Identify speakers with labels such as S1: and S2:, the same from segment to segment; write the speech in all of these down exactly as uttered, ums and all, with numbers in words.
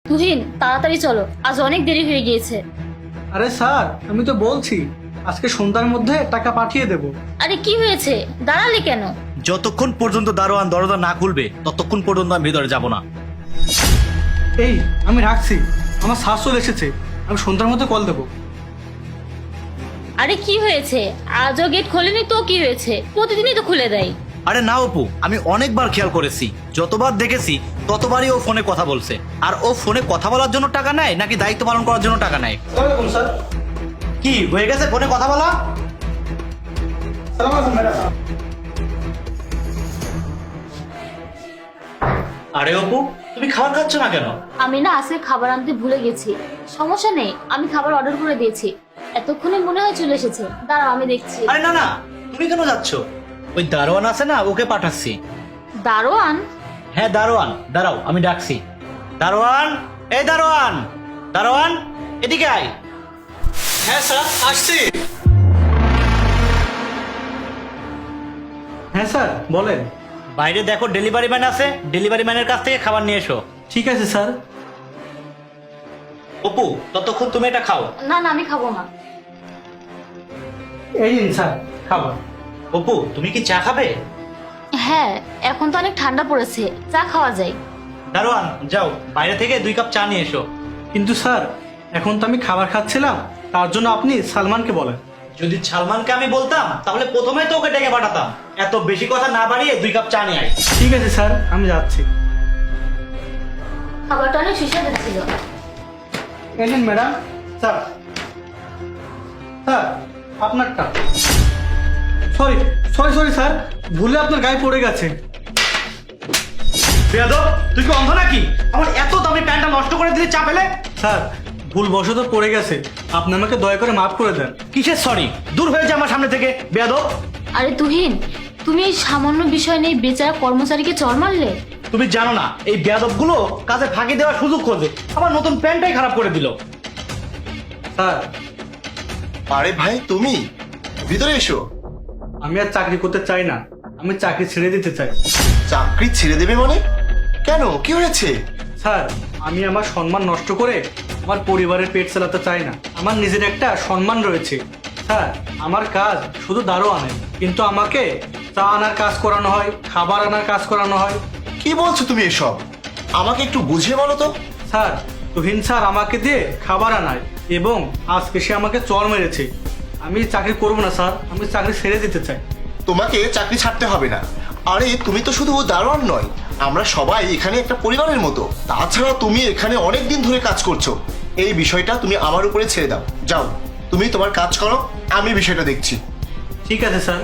S1: তুহিন তাড়াতাড়ি চলো, আজ অনেক দেরি হয়ে গিয়েছে।
S2: আরে স্যার, আমি তো বলছি আজকে সন্ধ্যার মধ্যে টাকা পাঠিয়ে দেব।
S1: আরে কি হয়েছে, দাঁড়ালে কেন?
S3: যতক্ষণ পর্যন্ত দারোয়ান দরজা না খুলবে ততক্ষণ পর্যন্ত আমি ভেতরে যাব না।
S2: এই আমি রাখছি, আমার স্যার চলে এসেছে, আমি সন্ধ্যার মধ্যে কল দেবো।
S1: আরে কি হয়েছে, আজও গেট খোলেনি তো কি হয়েছে? প্রতিদিনই তো খুলে দেয়।
S3: আরে না অপু, আমি অনেকবার খেয়াল করেছি, যতবার দেখেছি ততবারই ও ফোনে কথা বলছে। আর ও ফোনে কথা বলার জন্য টাকা নেয় নাকি দায়িত্ব পালন করার জন্য টাকা নেয়?
S2: স্যার।
S3: কি হয়ে গেছে ফোনে কথা বলা? আরে অপু, তুমি খাবার খাচ্ছ না কেন?
S1: আমি না আজকে খাবার আনতে ভুলে গেছি। সমস্যা নেই, আমি খাবার অর্ডার করে দিয়েছি। এতক্ষণে মনে হয় চলে এসেছে, দাঁড়াও আমি দেখছি।
S3: আরে না না, তুমি কেন যাচ্ছ? ওই দারোয়ান আছে না, ওকে পাঠাচ্ছি।
S1: দারোয়ান?
S3: হ্যাঁ দারোয়ান, দাঁড়াও আমি ডাকছি। দারোয়ান, এই দারোয়ান, দারোয়ান এদিকে আয়।
S2: হ্যাঁ স্যার, আসছি। হ্যাঁ স্যার বলেন।
S3: বাইরে দেখো ডেলিভারি ম্যান আছে, ডেলিভারি ম্যানের কাছ থেকে খাবার নিয়ে এসো।
S2: ঠিক আছে স্যার।
S3: অপু ততক্ষণ তুমি এটা খাও।
S1: না না, আমি খাবো না।
S2: এই নিন স্যার খাবার।
S3: অপু তুমি কি চা খাবে?
S1: হ্যাঁ, এখন তো অনেক ঠান্ডা পড়েছে, চা খাওয়া যায়।
S3: দারোয়ান যাও বাইরে থেকে দুই কাপ চা নিয়ে এসো।
S2: কিন্তু স্যার, এখন তো আমি খাবার খাচ্ছিলাম, তার জন্য আপনি সালমানকে বলেন।
S3: যদি সালমানকে আমি বলতাম তাহলে প্রথমে তো ওকে ডেকে পাঠাতাম। এত বেশি কথা না বাড়িয়ে দুই কাপ চা নিয়ে আয়।
S2: ঠিক আছে স্যার, আমি যাচ্ছি।
S1: খাবারটা অনেক সুস্বাদু ছিল।
S2: এই নিন ম্যাডাম। স্যার, স্যার আপনারটা। সরি সরি সরি স্যার, ভুলে আপনার গায়ে পড়ে গেছে।
S3: বেয়াদব, তুই কি অন্ধ নাকি? আমার এত দামি প্যান্টটা নষ্ট করে দিলে চা পেলে?
S2: স্যার, ভুল বশত পড়ে গেছে, আপনি আমাকে দয়া করে মাফ করে দেন।
S3: কিসের সরি? দূর হয়ে যা আমার সামনে থেকে বেয়াদব।
S1: আরে তুহিন, তুমি এই সামান্য বিষয় নিয়ে বেচারা কর্মচারীকে চড় মারলে।
S3: তুমি জানো না এই বেয়াদব গুলো কাজে ফাঁকি দেওয়ার সুযোগ খোঁজে, আমার নতুন প্যান্টটাই খারাপ করে দিল।
S2: স্যার,
S4: আরে ভাই তুমি ভিতরে এসো।
S2: আমি আর চাকরি করতে চাই না, আমি চাকরি ছেড়ে দিতে চাই।
S4: চাকরি ছেড়ে দেবে মানে? কেন, কি হয়েছে?
S2: স্যার, আমি আমার সম্মান নষ্ট করে আমার পরিবারের পেট চালাতে চাই না। আমার নিজের একটা সম্মান রয়েছে। স্যার, আমার কাজ শুধু দারোয়ানের, কিন্তু আমাকে চা আনার কাজ করানো হয়, খাবার আনার কাজ করানো হয়।
S4: কি বলছো তুমি এসব? আমাকে একটু বুঝিয়ে বলো তো।
S2: স্যার, তুহিন স্যার আমাকে দিয়ে খাবার আনায় এবং আজকে সে আমাকে চড় মেরেছে। আমি চাকরি করবো না স্যার, আমি চাকরি ছেড়ে দিতে চাই।
S4: তোমাকে চাকরি ছাড়তে হবে না। আরে তুমি তো শুধু দারোয়ান নয়, আমরা সবাই এখানে একটা পরিবারের মতো। তাছাড়া তুমি এখানে অনেক দিন ধরে কাজ করছো, এই বিষয়টা তুমি আমার উপরে ছেড়ে দাও। যাও তুমি তোমার কাজ করো, আমি বিষয়টা দেখছি।
S2: ঠিক আছে স্যার।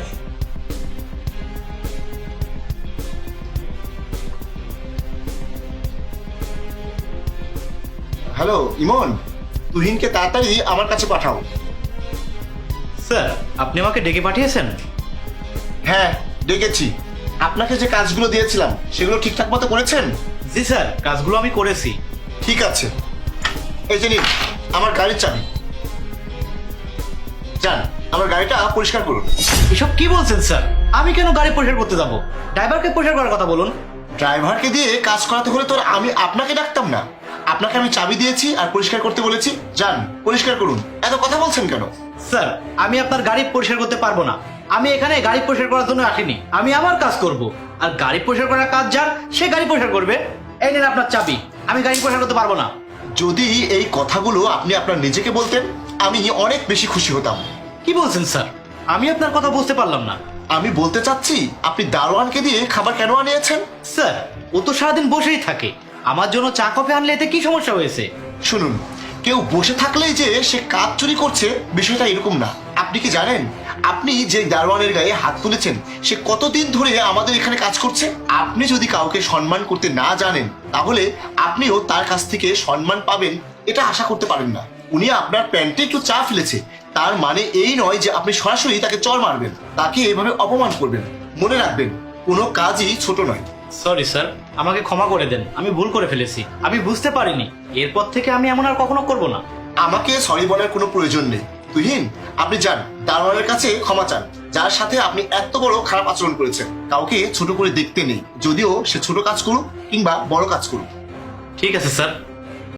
S4: হ্যালো ইমন, তুহিনকে তাড়াতাড়ি আমার কাছে পাঠাও।
S3: স্যার, আপনি আমাকে ডেকে পাঠিয়েছেন?
S4: হ্যাঁ ডেকেছি। আপনাকে যে কাজগুলো দিয়েছিলাম সেগুলো ঠিকঠাক মতো করেছেন?
S3: জি স্যার, কাজগুলো আমি করেছি।
S4: ঠিক আছে, এই যে নিন আমার গাড়ির চাবি। যান আমার গাড়িটা পরিষ্কার করুন।
S3: এসব কি বলছেন স্যার? আমি কেন গাড়ি পরিষ্কার করতে যাব? ড্রাইভারকে পরিষ্কার করার কথা বলুন।
S4: ড্রাইভারকে দিয়ে কাজ করাতে হলে তো আর আমি আপনাকে ডাকতাম না। আপনাকে আমি চাবি দিয়েছি আর পরিষ্কার করতে বলেছি, যান পরিষ্কার করুন। এত কথা বলছেন কেন?
S3: স্যার, আমি আপনার গাড়ি পরিষ্কার করতে পারবো না। আমি এখানে গাড়ি পরিষ্কার করার জন্য আসিনি, আমি আমার কাজ করব। আর গাড়ি পরিষ্কার করার কাজ যার, সে গাড়ি পরিষ্কার করবে। এই নেন আপনার চাবি, আমি গাড়ি পরিষ্কার করতে পারবো না।
S4: যদি এই কথাগুলো আপনি আপনার নিজেকে বলতেন আমি অনেক বেশি খুশি হতাম।
S3: কি বলছেন স্যার? আমি আপনার কথা বুঝতে পারলাম না।
S4: আমি বলতে চাচ্ছি আপনি দারোয়ানকে দিয়ে খাবার কেন আনিয়েছেন?
S3: স্যার, ও তো সারাদিন বসেই থাকে, আমার জন্য চা কফি আনলে এতে কি সমস্যা হয়েছে?
S4: শুনুন, কেউ বসে থাকলেই যে সে কাজ চুরি করছে বিষয়টা এরকম না। আপনি কি জানেন আপনি যে দারোয়ানের গায়ে হাত তুলেছেন সে কতদিন ধরে আমাদের এখানে কাজ করছে? আপনি যদি কাউকে সম্মান করতে না জানেন তাহলে আপনিও তার কাছ থেকে সম্মান পাবেন এটা আশা করতে পারেন না। উনি আপনার প্যান্টে একটু চা ফেলেছে, তার মানে এই নয় যে আপনি সরাসরি তাকে চড় মারবেন, তাকে এভাবে অপমান করবেন। মনে রাখবেন কোনো কাজই ছোট নয়।
S3: সরি স্যার, আমাকে ক্ষমা করে দেন, আমি ভুল করে ফেলেছি, আমি বুঝতে পারিনি। এরপর থেকে আমি এমন আর কখনো করব না।
S4: আমাকে সরি বলার কোনো প্রয়োজন নেই। তুহিন, আপনি যান দারোয়ানের কাছে ক্ষমা চান, যার সাথে আপনি এত বড় খারাপ আচরণ করেছেন। কাউকে ছোট করে দেখতে নেই, যদিও সে ছোট কাজ করুক কিংবা বড় কাজ করুক।
S3: ঠিক আছে স্যার।